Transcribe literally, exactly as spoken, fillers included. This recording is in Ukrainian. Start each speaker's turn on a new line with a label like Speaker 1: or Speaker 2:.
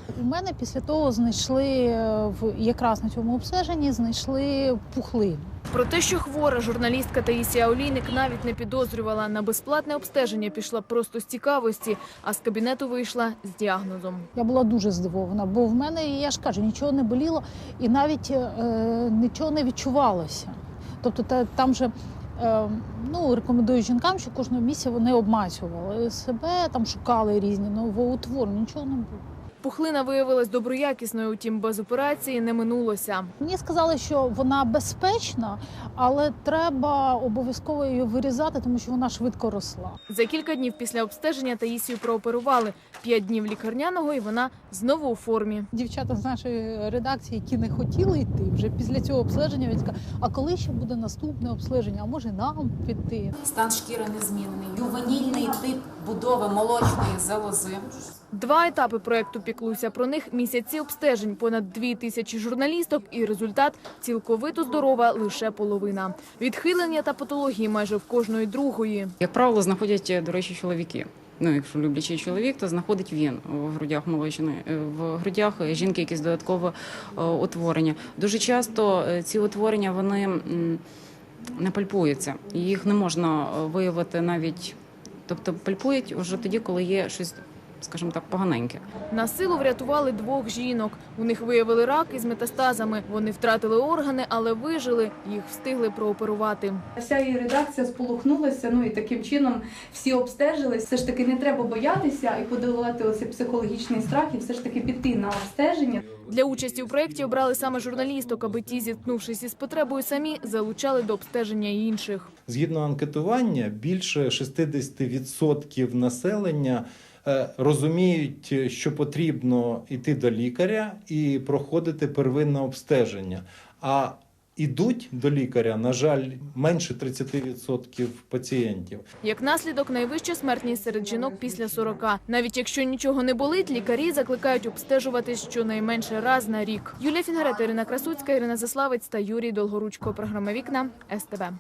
Speaker 1: У мене після того знайшли, в якраз на цьому обстеженні, знайшли пухлину.
Speaker 2: Про те, що хвора журналістка Таїсія Олійник навіть не підозрювала. На безплатне обстеження пішла просто з цікавості, а з кабінету вийшла з діагнозом.
Speaker 1: Я була дуже здивована, бо в мене, я ж кажу, нічого не боліло і навіть е, нічого не відчувалося. Тобто та, там же е, ну, рекомендую жінкам, що кожного місяця вони обмацювали себе, там шукали різні новоутворення, нічого не було.
Speaker 2: Пухлина виявилась доброякісною, утім без операції не минулося.
Speaker 1: Мені сказали, що вона безпечна, але треба обов'язково її вирізати, тому що вона швидко росла.
Speaker 2: За кілька днів після обстеження Таїсію прооперували. П'ять днів лікарняного і вона знову у формі.
Speaker 1: Дівчата з нашої редакції, які не хотіли йти, вже після цього обстеження, він сказав, а коли ще буде наступне обстеження, а може нам піти?
Speaker 3: Стан шкіри незмінний, ювенільний тип будови молочної залози.
Speaker 2: Два етапи проєкту «Піклуйся про них», місяці обстежень, понад дві тисячі журналісток і результат – цілковито здорова лише половина. Відхилення та патології майже в кожної другої.
Speaker 4: Як правило, знаходять, до речі, чоловіки. Ну, якщо люблячий чоловік, то знаходить він в грудях молочної, в грудях жінки якісь додаткове утворення. Дуже часто ці утворення, вони не пальпуються. Їх не можна виявити навіть, тобто пальпують вже тоді, коли є щось, скажімо так, поганеньке.
Speaker 2: На силу врятували двох жінок. У них виявили рак із метастазами. Вони втратили органи, але вижили. Їх встигли прооперувати.
Speaker 5: Вся її редакція сполохнулася, ну і таким чином всі обстежились. Все ж таки не треба боятися і подолати оцей психологічний страх, і все ж таки піти на обстеження.
Speaker 2: Для участі у проєкті обрали саме журналісток, аби ті, зіткнувшись із потребою самі, залучали до обстеження й інших.
Speaker 6: Згідно анкетування, більше шістдесят відсотків населення розуміють, що потрібно йти до лікаря і проходити первинне обстеження. А ідуть до лікаря, на жаль, менше тридцять відсотків пацієнтів.
Speaker 2: Як наслідок, найвища смертність серед жінок після сорока. Навіть якщо нічого не болить, лікарі закликають обстежуватись щонайменше раз на рік. Юлія Фінгарета, Ірина Красуцька, Ірина Заславець та Юрій Долгоручко. Програма «Вікна», ес те бе.